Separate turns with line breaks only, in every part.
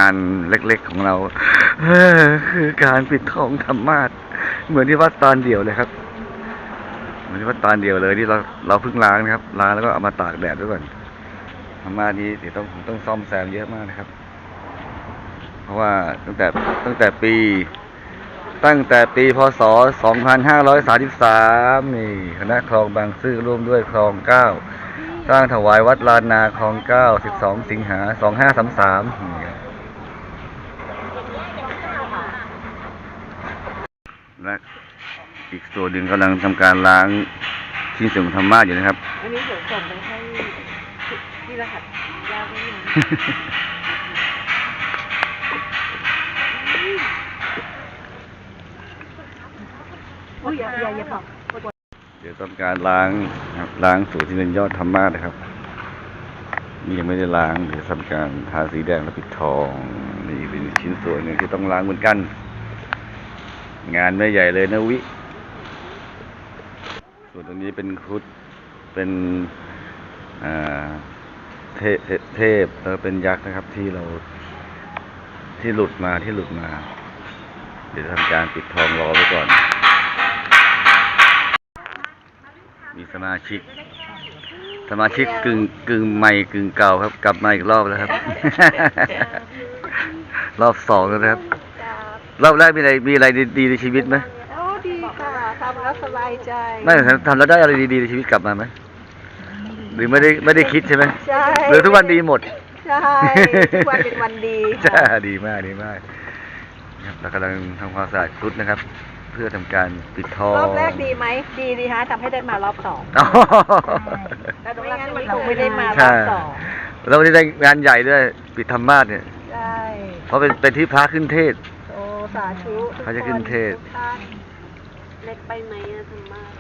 านเล็กๆของเราคือการปิดทองธรรมาสน์เหมือนที่วัดตาลเดี่ยวเลยครับเหมือนที่วัดตาลเดี่ยวเลยที่เราเพิ่งล้างนะครับล้างแล้วก็เอามาตากแดดด้วยก่อนธรรมาสน์นี้เดี๋ยวต้องซ่อมแซมเยอะมากนะครับเพราะว่าตั้งแต่ปีพ.ศ. 2533นี่คณะคลองบางซื่อร่วมด้วยคลอง 9สร้างถวายวัดลานนาคลอง 9 12 สิงหา 2533และอีกส่วนหนึ่งกำลังทำการล้างชิ้นส่วนของธรรมาสน์อยู่นะครับ
อันนี้เดี๋ยวส่งไปให้ที่รหัสยาวด้วยนะอย่าบอก
เดี๋ยวต้องการล้างล้างส่วนที่เป็นยอดธรรมาสน์นะครับนี่ยังไม่ได้ล้างเดี๋ยวทำการทาสีแดงและปิดทองนี่เป็นชิ้นส่วนหนึ่งที่ต้องล้างเหมือนกันงานไม่ใหญ่เลยนะวิส่วนตรงนี้เป็นครุฑเป็นเทพแล้วเป็นยักษ์นะครับที่หลุดมาเดี๋ยวทำการปิดทองรอไว้ก่อนมีสมาชิกกึ่งใหม่กึ่งเก่าครับกลับมาอีกรอบแล้วครับ รอบ2แล้วนะครับรอบแรกมีอะไรดีในชีวิตไหม
โอ้ดีค่ะทำแล้วสบายใจ
ไม่ทำแล้วได้อะไรดีในชีวิตกลับมาไหมหรือไม่ได้คิดใช่ไหม
ใช่
หรือทุกวันดีหมด
ใช่ทุกวันเป็นวันดี
จ้าดีมากครับเรากำลังทำความสะอาดครุฑนะครับเพื่อทำการปิดทอง
รอบแรกดีไหมดีฮะทำให้ได้มารอบ2แล้วไม่งั้นเราไม่ได้มารอบ2
เราได้งานใหญ่ด้วยปิดธรรมาสน์เนี่ย
ใช่
เพราะเป็นที่พระขึ้นเทศ
โอ้สาธุ
พระจะขึ้นเทศ
เล็กไปไหมธรรมาส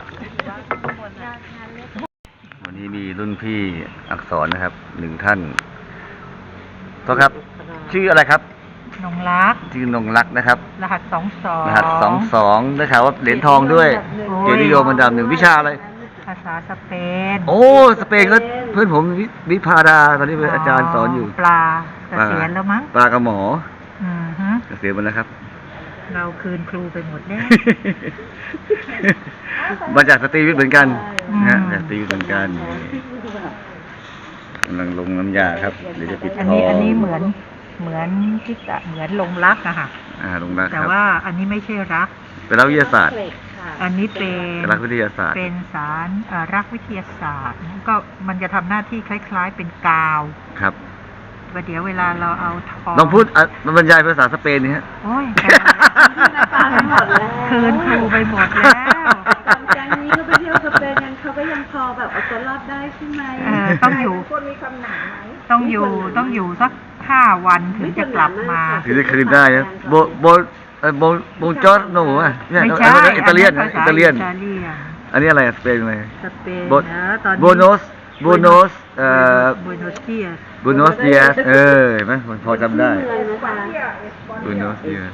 วันนี้มีรุ่นพี่อักษรนะครับ1 ท่านก็ครับชื่ออะไรครับ
นงรัก
ชื่อนงรักนะครับ
รหัส22
ได้ข่าวว่าเหรียญทองด้วยเกียรตินิยมอันดับ1วิชาอะไร
ภาษาสเปน
โอ้สเปนก็เพื่อนผมวิภาดาตอนนี้เป็นอาจารย์สอนอยู่
ปลาเกษียณแล้วมั้ง
ปลากับหมอเกษียณหมดแล้วครับ
เราคืนครูไปหมดแล้ว
มาจากสตรีวิทย์เหมือนกันนะจากสตรีวิทย์เหมือนกันกำลังลงน้ำยาครับเดี๋ยวจะปิดทอง
อันนี้เหมือนที่จะเหมือนลงรักอะค่ะ
ลงรัก
แต่ว่าอันนี้ไม่ใช่รัก
เป็นรักวิทยาศาสตร์
อันนี้เป็น
รักวิทยาศาสตร์
เป็นสารรักวิทยาศาสตร์ก็มันจะทำหน้าที่คล้ายๆเป็นกาว
ครับ
เดี๋ยวเวลาเราเอาทอง
ลองพูดบรรยายภาษาสเปนนี่ฮะ
โอ้ยคืนครูไปหมดแล้ว
ตอนแก๊งนี้ก็ไปเที่ยวสเปนเขาก็ยังพอแบบเอาตัวรอดได้ใช่ไหม
ต้องอยู่
คนมีคำหนาไหม
ต้องอยู่สัก5 วันถึงจะกลับมา
ถึงจะคืนได้นะโบจอร์โน่ะ
ไม่ใช่
อิตาเลียนอันนี้อะไรสเปนอะไรโบโนส
บูโนส
เดียสเห็นไหมมันพอจำได้บูโนสเดียส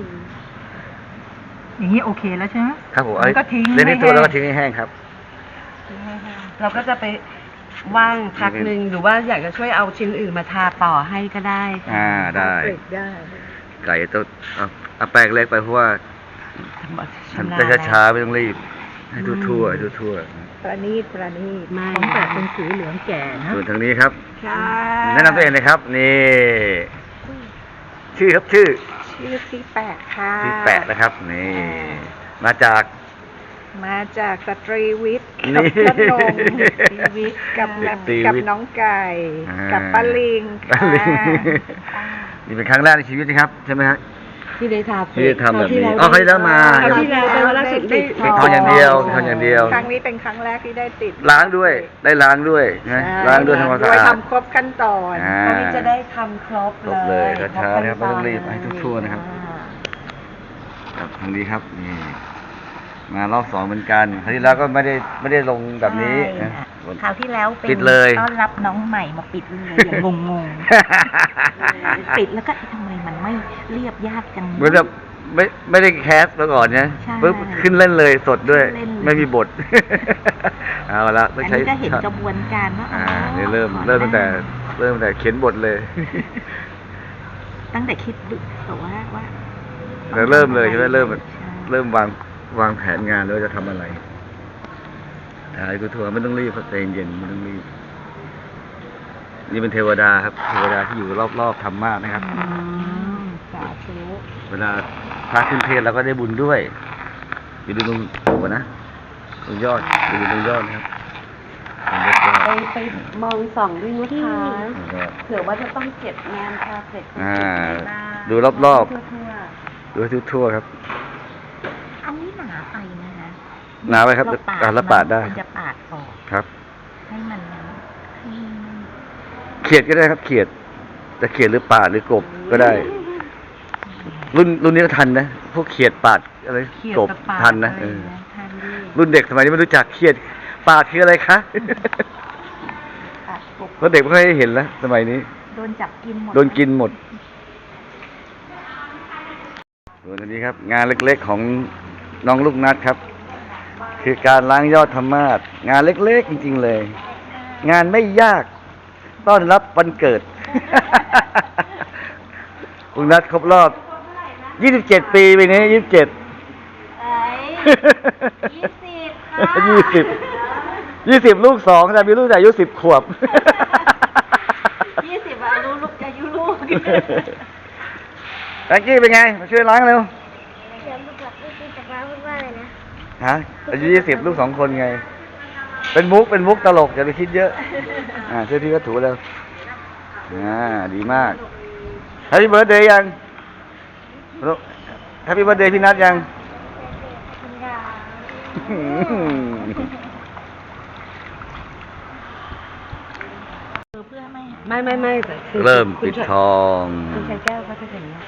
อย่างนี้โอเคแล้วใช่ไหม
ครับผม
ก็ทิ้ง
เล่นในตัวแล้วก็ทิ้งให้แห้งครับ
เราก็จะไปว่างพักหนึ่งหรือว่าอยากจะช่วยเอาชิ้นอื่นมาทาต่อให้ก็ได้
ได้ไก่ต้องเอาแป้งเล็กไปเพราะว่าฉันจะช้าๆไม่ต้องรีบให้ทั่ว
ประณีตของแต่เป็นสีเหลืองแก่นะ
ส่วนทางนี้ครับแนะนำตัวเองเลยครับนี่ชื่อ
ที่แปะค่ะ
ที่แปะนะครับนี่มาจาก
สตรีวิทย์กับพนงกับน้องไก่กับปลาลิง
นี่เป็นครั้งแรกในชีวิตนะครับใช่ไหมฮะ
ที่ได้ท
ำแบบนี้เคยได้มา
ที่แล้วเป็นวันแรกได้
ปิดทองอย่างเดียวครั้ง
นี้เป็นครั้งแรกที่ได้ติด
ล้างด้วยนะล้างด้วยทำความสะอาด
ทำครบขั้นตอนครั้งนี้จะได้ทำครบ
เลยช้าๆนะครับไม่ต้องรีบให้ทั่วนะครับทางนี้ครับนี่มารอบ2เหมือนกันคราวที่แล้วก็ไม่ได้ลงแบบนี้
คราวที่แล้ว
ปิดเลย
ต้อนรับน้องใหม่มาปิดเลยอย่างงงปิดแล้วก็ทำไมมันไม่เรียบยากจัง
เหมือนแบบไม่ได้แคสแล้วก่อนเนี่ยปุ๊บขึ้นเล่นเลยสดด้วยไม่มีบทเอาละ
ต้องใช้ก็เห็นกระบวนการว่า
นี่เริ่มตั้งแต่เขียนบทเลย
ตั้งแต่คิดแต่ว่า
เราเริ่มเลยใช่ไหมเริ่ม
ใช่
เริ่มวางแผนงานแล้วจะทำอะไรถ่ายทัวร์ไม่ต้องรีบครับใจเย็นๆไม่ต้องรีบนี่เป็นเทวดาครับเทวดาที่อยู่รอบๆธรรมะนะครับ
สาธุ
เวลาพระขึ้นเทศน์เราก็ได้บุญด้วยอยู่ดูตรงโอ้นะตรงยอดอยู่ตรงยอดนะครับตรงยอด
ไปมองส่องด้วยนะคะ
ยอด
เผื่อว่าจะต้องเก็บงานพาเสร็จ
ดูรอบ
ทั่ว
ๆดูให้ทั่วๆครับ
อันนี้หนาไปนะคะ
หนาไปครับ
เรา
แล้วปาดได้
มันจะปาดออก
ครับ
ให้มันให้
เขียดก็ได้ครับ เขียดจะเขียดหรือปาดหรือกบก็ได้ รุ่นนี้ก็ทันนะพวกเขียดปาดอะไร
เขียด
กบ
กับปาด
ทันนะ
อะไรทันด้วย
รุ่นเด็กสมัยนี้ไม่รู้จักเขียดปาดคืออะไรคะ
ปาดกบ
เพราะเด็กไม่ค่อยเห็นแล้วสมัยนี้
โดนจับกินหมด
โดนกินหมดส่วนอันนี้ครับ งานเล็กๆของน้องลูกนัดครับ คือการล้างยอดธรรมาสงานเล็กๆจริงๆเลย งานไม่ยากต้อนรับวันเกิด ลูกนัดครบรอบ 27 ปีปีนี้ 27
20 ค่ะ
20 ลูกสองแต่มีลูกแต่อายุ10 ขวบ
20อายุลูก
แองกี้เป็นไง มาช่วยล้างเร็ว
เดี๋ยวลูกหลับไม่กินแต่ว่าพูดว่าอะไรนะ
ฮะอายุ20 ลูก2 คนไง เป็นมุกตลกอย่าไปคิดเยอะ ช่วยพี่ก็ถูแล้วดีมากแฮปปี้เบิร์ดเดย์ยังแฮปปี้เบิร์ดเดย์พี่นัทยัง
คุณยาย
เพื่อไม่
ไม่แต่คือ
เริ่มปิดทอง
คุณชายแก้วเขาจะอย่างนี้ย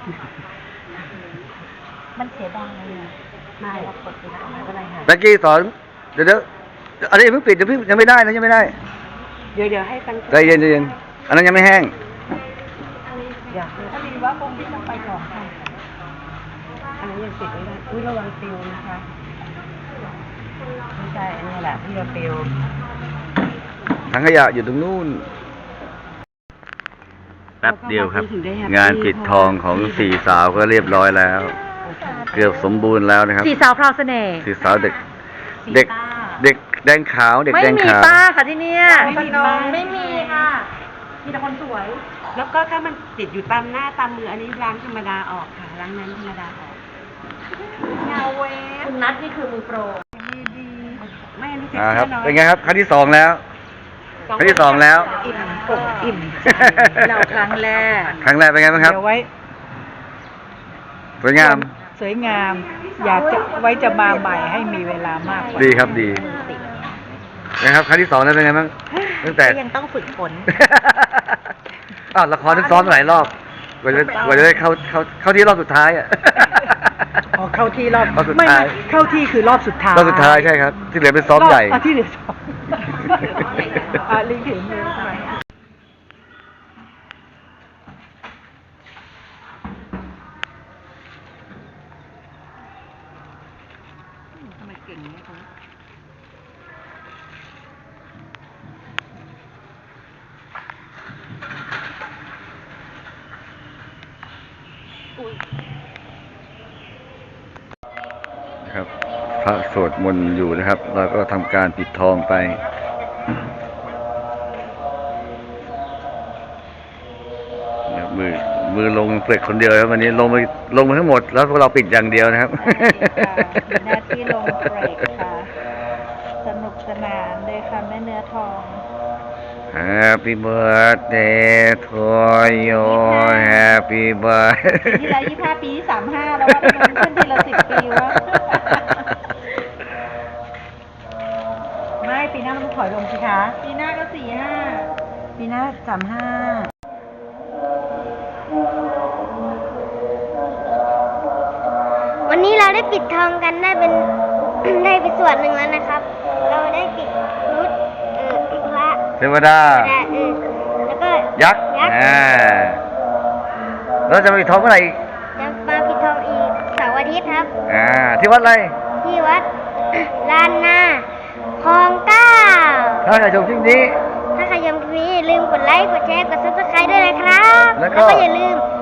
มันเสียดายเลย
ไม่กดปิดทองไม่เป็นไรค่ะ
แบงกี้สอนเดี๋ยวอันนี้เพิ่งปิดยังไม่ได้นะยังไม่ได้
เดี๋ยวให้ตั้ง
ใจเย็นอันนั้นยังไม่แห้ง
อยาก
พอดีว่าคงที่จะไปของค่ะ
อันนี้ยังปิดไม่ได้อุ้ยระวังปิวนะคะไม่ใช่อันนี้แหละที่เราปิว
ถังขยะอยู่ตรงนู้นแป๊บเดียวครับ งานปิดทองของสี่สาวก็เรียบร้อยแล้ว เกือบสมบูรณ์แล้วนะครับ
สีสาวพราวเสน่ห์
สี่สาวเด็กแดงขาวเด็ก
ไม่
แดง
มี
ขาว
ป้าค่ะที่เนี่ย
ไม่มีค่ะ มีแต่คนสวย
แล้วก็ถ้ามันติดอยู่ตามหน้าตามมืออันนี้ล้างธรรมดาออกค่ะล้างน้ำธรรมดาออก
เงาเวคุณนัทนี่คือมือโปร
ไม่อันนี้เจ็บ
ครับ
แน่นอน
เป็นไงครับครั้งที่2แล้วครั้งที่2แล้ว
อิ่มอกอิ่มใจเราครั้งแรก
ครั้งแรกเป็นไงบ้างครับ
เดี๋ยวไว้
สวยงาม
สวยงาม อยากจะไว้จะมาใหม่ให้มีเวลามากกว่า
ดีครับดีนะครับครั้งที่2แล้วเป็นไงบ้างตั้งแต่
ก็ยังต้องฝึกฝน
อ้าวละครต้องซ้อมหลายรอบกว่าจะได้เข้าที่รอบสุดท้ายอ่ะ
อ๋อเข้าที่รอบ
รอบสุด
ไม่
ท้าย
เข้าที่คือรอบสุดท้าย
รอบสุดท้ายใช่ครับ ที่เหลือเป็นซ้อมใหญ่
ที่เหลือซ้อมลิงถึงมือใช่ไหม
ทำไมเก่งเนี่ยเขา
ครับพระสวดมนต์อยู่นะครับ เราก็ทำการปิดทองไปเนี่ยมือลงเปลือกคนเดียวครับวันนี้ลงมาทั้งหมด แล้วพวกเราปิดอย่างเดียวนะครับ
มีหน้าที่ลงเบรกค่ะ สนุกสนานเลยค่ะแม่เนื้อทอง
Happy birthday to you Happy
ปี
birthday
ที่แล้ว25 ปีที่35 แล้วว่าทำไมมันขึ้นทีละ10 ปีวะ ไม่ปีหน้ามันถอยลงสิคะ ปีหน้าก็45 ปีหน้า35
วันนี้เราได้ปิดทองกันได้เป็น ได้ไปส่วนหนึ่งแล้วนะครับ เราได้ปิดรุดพระ
เทวดา
แล้วก็
ยักษ์เราจะไปปิดทองเมื่อไหร่อีก
จะมาปิดทองอีกเสาร์อาทิตย์ครับ
ที่วัดอะไร
ที่วัด ลานนาคลองเก้า
ถ้าใครชมคลิปนี้
ถ้าใครชมคลิปนี้อย่าลืมกดไลค์ กดแชร์ กด subscribe ด้วยนะครับ
แล้วก็
อย่าลืม